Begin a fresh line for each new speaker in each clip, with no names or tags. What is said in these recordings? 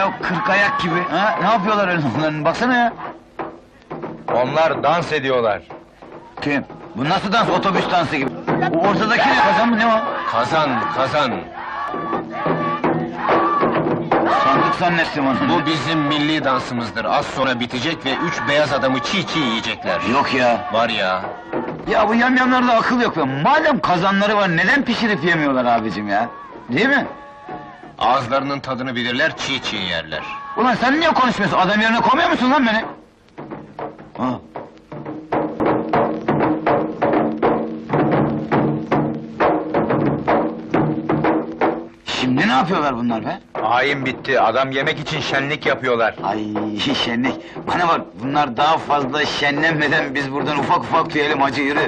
ya, 40 ayak gibi. Ha? Ne yapıyorlar öyle onların, baksana ya.
Onlar dans ediyorlar.
Kim? Bu nasıl dans, otobüs dansı gibi? O ortadaki ne, kazan mı, ne o?
Kazan, kazan.
Sandık zannettim onu.
Bu bizim milli dansımızdır. Az sonra bitecek ve 3 beyaz adamı çiğ çiğ yiyecekler.
Yok ya.
Var ya.
Ya bu yamyamlarda akıl yok be. Madem kazanları var, neden pişirip yemiyorlar abicim ya? Değil mi?
Ağızlarının tadını bilirler, çiğ çiğ yerler.
Ulan sen niye konuşmuyorsun? Adam yerine koymuyor musun lan beni? Ha. Şimdi ne yapıyorlar bunlar be?
Ayin bitti, adam yemek için şenlik yapıyorlar.
Ay şenlik! Bana bak, bunlar daha fazla şenlenmeden biz buradan ufak ufak tüyelim, hacı yürü!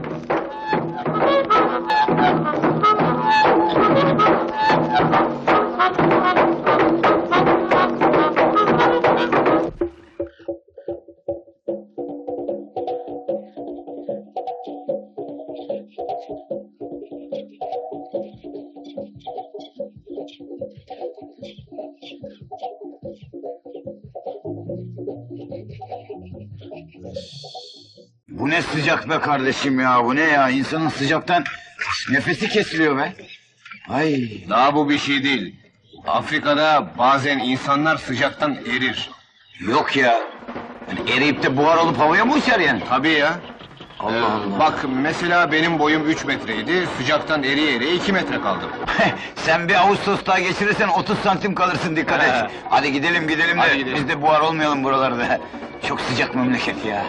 Bu ne sıcak be kardeşim ya, bu ne ya? İnsanın sıcaktan nefesi kesiliyor be! Ay!
Daha bu bir şey değil. Afrika'da bazen insanlar sıcaktan erir.
Yok ya! Yani eriyip de buhar olup havaya mı uçar yani?
Tabii ya.
Allah Allah!
Bak mesela benim boyum 3 metreydi, sıcaktan eriye eriye 2 metre kaldım.
Sen bir Ağustos daha geçirirsen 30 santim kalırsın, dikkat et!
He.
Hadi gidelim gidelim
Hadi
de,
gidelim.
biz de buhar olmayalım buralarda! Çok sıcak memleket ya!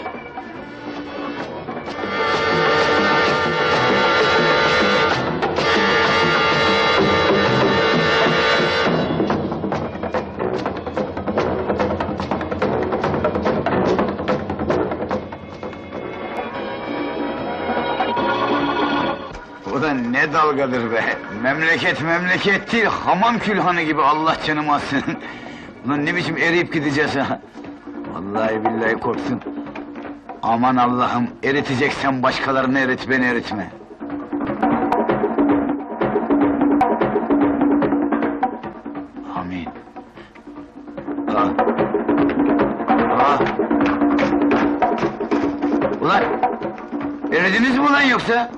O da ne dalgadır be! Memleket memleket değil, hamam külhanı gibi, Allah canımı alsın! Ulan ne biçim eriyip gideceğiz ha! Vallahi billahi korktum! Aman Allah'ım, eriteceksen başkalarını erit, beni eritme! Amin! Ah! Ah! Ulan! Eridiniz mi ulan yoksa?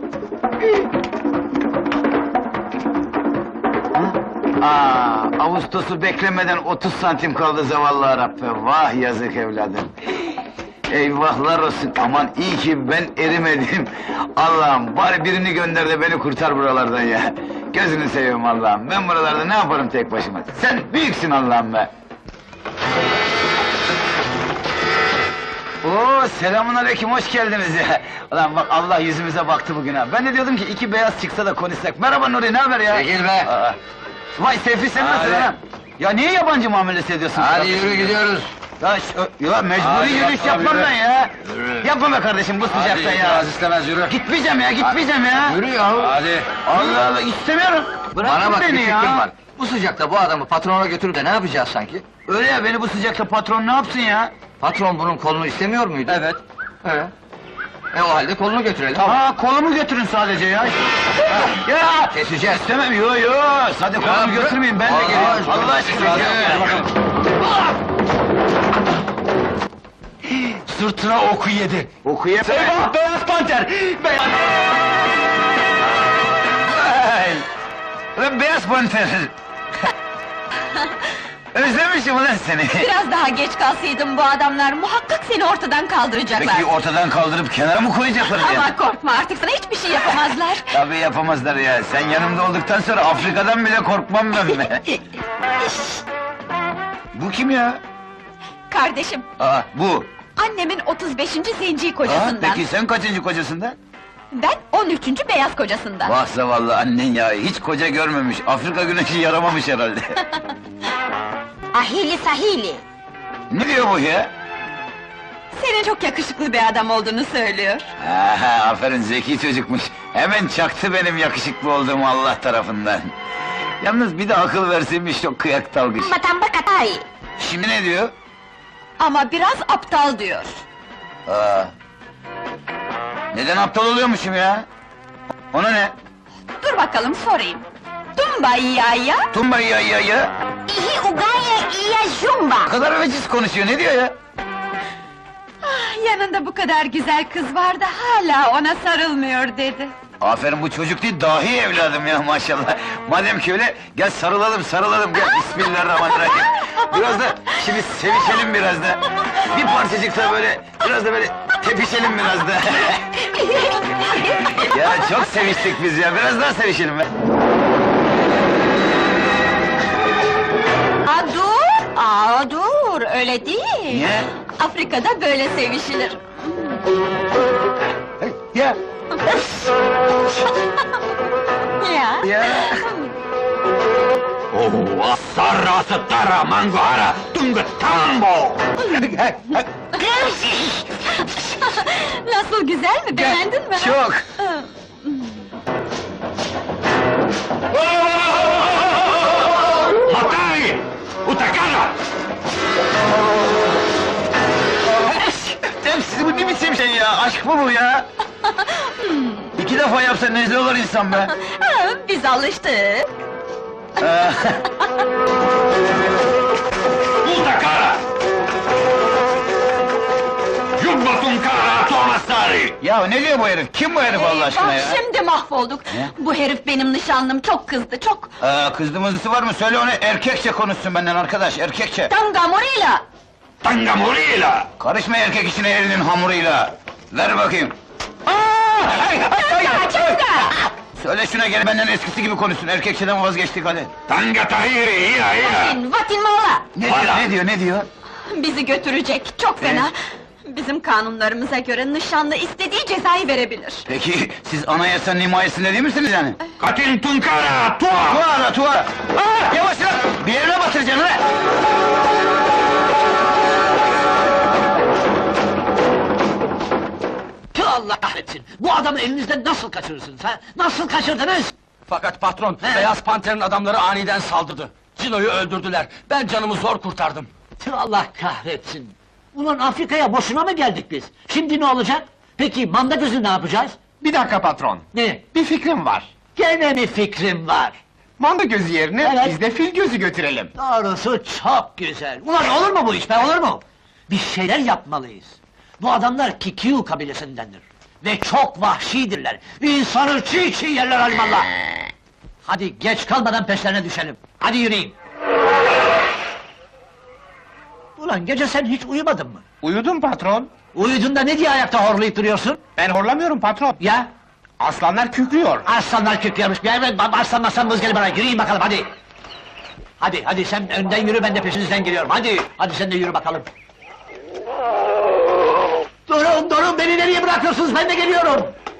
Ağustos'u beklemeden 30 santim kaldı zavallı Arap be! Vah yazık evladım! Eyvahlar olsun! Aman iyi ki ben erimedim! Allah'ım, bari birini gönder de beni kurtar buralardan ya! Gözünü seveyim Allah'ım, ben buralarda ne yaparım tek başıma? Sen büyüksün Allah'ım be! Oo, selamünaleyküm, hoş geldiniz ya! Ulan bak, Allah yüzümüze baktı bugün ha! Ben de diyordum ki iki beyaz çıksa da konuşsak! Merhaba Nuri, ne haber ya?
Çekil be!
Aa, vay Seyfi, sen nasılsın
Hadi.
lan? Ya niye yabancı muamelesi ediyorsun?
Hadi yürü gidiyoruz.
Ya mecburi
Hadi
yürüyüş
yapma
yapmam
be.
ben ya!
Yürü.
Yapma be kardeşim, bu sıcakta
Hadi
ya!
itiraz istemez yürü.
Gitmeyeceğim ya, gitmeyeceğim ya!
Yürü yahu.
Hadi.
Allah Allah, istemiyorum! Bırakın
Bana bak, bir
beni
fikrim
ya!
var. Bu sıcakta bu adamı patrona götürüp de ne yapacağız sanki?
Öyle ya, beni bu sıcakta patron ne yapsın ya?
Patron bunun kolunu istemiyor muydu?
Evet.
Evet. O halde kolunu götürelim.
Ha, kolumu götürün sadece ya! Ya!
Keseceğiz.
İstemem, yo! Hadi kolumu
bırak.
götürmeyin, ben de
Allah
geleyim!
aşkına,
Allah aşkına!
hadi.
Gel bakalım.
Sırtına oku yedi.
Oku ye!
Eyvah, beyaz panter! Beyaz...
Ay! Ulan beyaz panter! Özlemişim ulan seni!
Biraz daha geç kalsaydın bu adamlar muhakkak seni ortadan kaldıracaklar.
Peki ortadan kaldırıp kenara mı koyacaklar ya?
Ama korkma, artık sana hiçbir şey yapamazlar.
Tabii yapamazlar ya, sen yanımda olduktan sonra Afrika'dan bile korkmam ben be! Bu kim ya?
Kardeşim,
Aa, bu!
annemin 35. zenci
Aa,
kocasından.
peki sen kaçıncı kocasından?
Ben 13. beyaz kocasından.
Vah zavallı annen ya, hiç koca görmemiş, Afrika güneşi yaramamış herhalde!
Ahili sahili.
Ne diyor bu ya?
Senin çok yakışıklı bir adam olduğunu söylüyor.
Aha, aferin, zeki çocukmuş! Hemen çaktı benim yakışıklı olduğumu Allah tarafından! Yalnız bir de akıl verseymiş, çok kıyak dalgıç!
Matamba katay.
Şimdi ne diyor?
Ama biraz aptal diyor.
Aa. Neden aptal oluyormuşum ya? Ona ne?
Dur bakalım sorayım. Tumba ya ya,
Tumba ya ya ya!
ihi ugaya iya jumba.
Ne kadar veciz konuşuyor, ne diyor ya?
Ah, yanında bu kadar güzel kız vardı, hala ona sarılmıyor dedi.
Aferin, bu çocuk değil, dahi evladım ya maşallah. Madem ki öyle, gel sarılalım, gel. Bismillahirrahmanirrahim. Biraz da, şimdi sevişelim biraz da. Bir parçacık da böyle, biraz da böyle tepişelim biraz da. Ya çok seviştik biz ya, biraz daha sevişelim be.
Dur, öyle değil.
Niye?
Afrika'da böyle sevişilir.
Ya,
Ya.
ya.
Sarra satara manguara tunga tambo.
Nasıl, güzel mi, beğendin mi?
Çok.
Matai! Utakara!
Siz bu ne biçim şey ya, aşk mı bu ya? 2 defa yapsa nezle olur insan be.
Ha, biz alıştık.
Utakara! Jumbatun kara tomasari!
Ya ne diyor bu herif? Kim bu herif Allah aşkına
Bak
ya?
şimdi mahvolduk.
Ne?
Bu herif benim nişanlım, çok kızdı, çok.
Kızdığımızı var mı? Söyle onu, erkekçe konuşsun benden arkadaş, erkekçe.
Tangamorila.
Tangamurila!
Karışma erkek işine elinin hamuruyla. Ver bakayım. Söyle şuna, gel benden eskisi gibi konuşsun, erkekçeden vazgeçtik hadi.
Tanga tahiri iya iya!
Vatin mala.
Ne diyor?
Bizi götürecek, çok fena. Bizim kanunlarımıza göre nişanlı istediği cezayı verebilir.
Peki, siz anayasanın himayesinde değil misiniz yani?
Katin tunkara tua!
Tuğra! Yavaş lan! Bir yerine batıracaksın ha!
Tüh, Allah kahretsin! Bu adamı elinizden nasıl kaçırırsınız ha? Nasıl kaçırdınız?
Fakat patron, Beyaz Panter'in adamları aniden saldırdı. Cino'yu öldürdüler. Ben canımı zor kurtardım.
Tüh, Allah kahretsin! Ulan Afrika'ya boşuna mı geldik biz? Şimdi ne olacak? Peki manda gözü ne yapacağız?
Bir dakika patron,
Ne?
bir fikrim var.
Gene mi fikrim var?
Manda gözü yerine
Evet.
biz de fil gözü götürelim.
Doğrusu çok güzel! Ulan olur mu bu iş be, olur mu? Bir şeyler yapmalıyız. Bu adamlar Kikiu kabilesindendir. Ve çok vahşidirler. İnsanı çiğ çiğ yerler alimallah! Hadi geç kalmadan peşlerine düşelim. Hadi yürüyün. Ulan gece sen hiç uyumadın mı?
Uyudum patron.
Uyuduğunda ne diye ayakta horlayıp duruyorsun?
Ben horlamıyorum patron.
Ya?
Aslanlar kükrüyor.
Aslanlar kükrüyormuş. Bir evet, aslan maslan vızgeli bana. Yürüyün bakalım hadi. Hadi sen önden yürü, ben de peşinizden geliyorum. Hadi sen de yürü bakalım. Durun, beni nereye bırakıyorsunuz? Ben de geliyorum.